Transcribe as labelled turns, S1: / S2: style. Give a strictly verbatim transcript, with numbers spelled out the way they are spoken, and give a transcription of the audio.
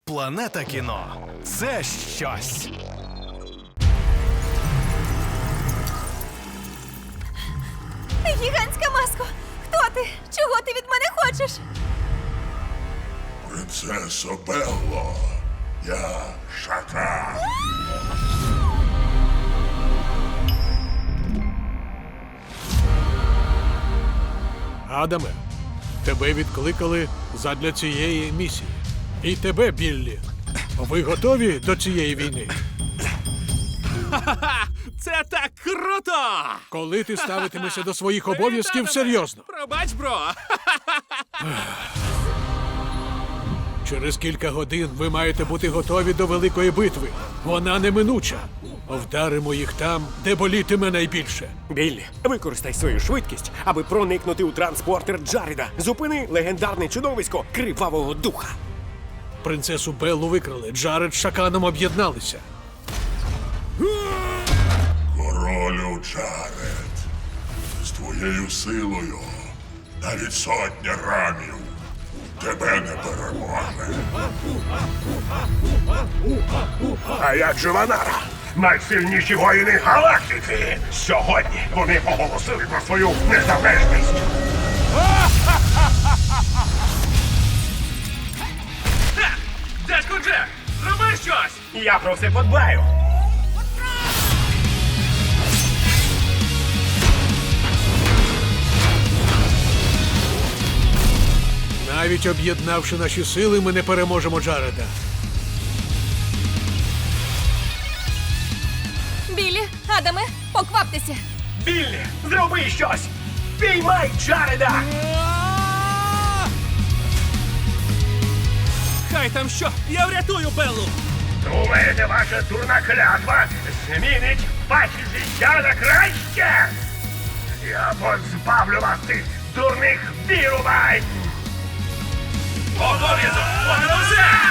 S1: Планета кіно – це щось.
S2: Гігантська маско! Хто ти? Чого ти від мене хочеш?
S3: Принцесо Белло, я Шакал.
S4: Адаме, тебе відкликали задля цієї місії. І тебе, Біллі. Ви готові до цієї війни?
S5: Це так круто!
S4: Коли ти ставитимешся до своїх обов'язків серйозно?
S5: Пробач, бро!
S4: Через кілька годин ви маєте бути готові до великої битви. Вона неминуча. Вдаримо їх там, де болітиме найбільше.
S6: Біллі, використай свою швидкість, аби проникнути у транспортер Джареда. Зупини легендарне чудовисько Кривавого Духа.
S4: Принцесу Беллу викрали. Джаред з Шаканом об'єдналися.
S3: Королю Джаред, з твоєю силою навіть сотня рамів тебе не переможе.
S7: А як же Ванара? Найсильніші воїни галактики! Сьогодні вони оголосили про свою незалежність!
S5: Дядько Джек, зроби щось!
S7: Я про все подбаю!
S4: Навіть об'єднавши наші сили, ми не переможемо Джареда.
S2: Біллі, Адаме, покваптеся!
S7: Біллі, зроби щось! Піймай Джареда!
S5: Хай там що, я врятую Беллу!
S7: Думаєте, ваша дурна клятва змінить ваші життя на краще? Я позбавлю вас цих дурних вірувань!
S5: Обов'язок! Понад усе!